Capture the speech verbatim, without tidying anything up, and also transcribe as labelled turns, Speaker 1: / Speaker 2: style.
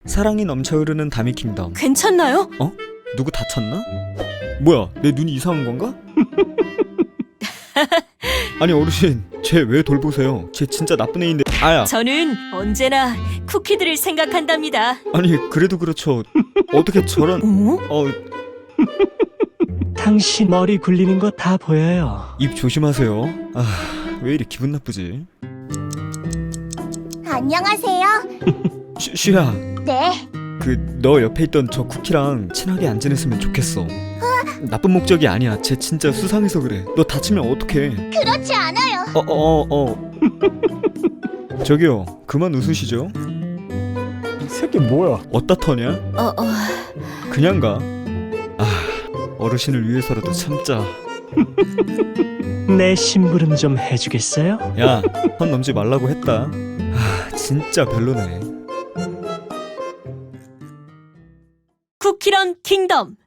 Speaker 1: 사랑이 넘쳐 흐르는 다미 킹덤.
Speaker 2: 괜찮나요?
Speaker 1: 어? 누구 다쳤나? 뭐야, 내 눈이 이상한 건가? 아니 어르신, 쟤 왜 돌보세요? 쟤 진짜 나쁜 애인데. 아야.
Speaker 2: 저는 언제나 쿠키들을 생각한답니다.
Speaker 1: 아니 그래도 그렇죠. 어떻게 저런.
Speaker 2: 어?
Speaker 1: 어,
Speaker 3: 당신 머리 굴리는 거 다 보여요.
Speaker 1: 입 조심하세요. 아, 왜 이리 기분 나쁘지?
Speaker 4: 안녕하세요.
Speaker 1: 쉬, 쉬야.
Speaker 4: 네.
Speaker 1: 그 너 옆에 있던 저 쿠키랑 친하게 안 지냈으면 좋겠어. 나쁜 목적이 아니야. 쟤 진짜 수상해서 그래. 너 다치면 어떡해.
Speaker 4: 그렇지 않아요.
Speaker 1: 어, 어, 어, 어. 저기요, 그만 웃으시죠.
Speaker 3: 이 새끼 뭐야?
Speaker 1: 어디다 터냐?
Speaker 2: 어, 어.
Speaker 1: 그냥 가. 아, 어르신을 위해서라도 참자.
Speaker 3: 내 심부름 좀 해주겠어요?
Speaker 1: 야, 선 넘지 말라고 했다. 아, 진짜 별로네.
Speaker 2: 쿠키런 킹덤.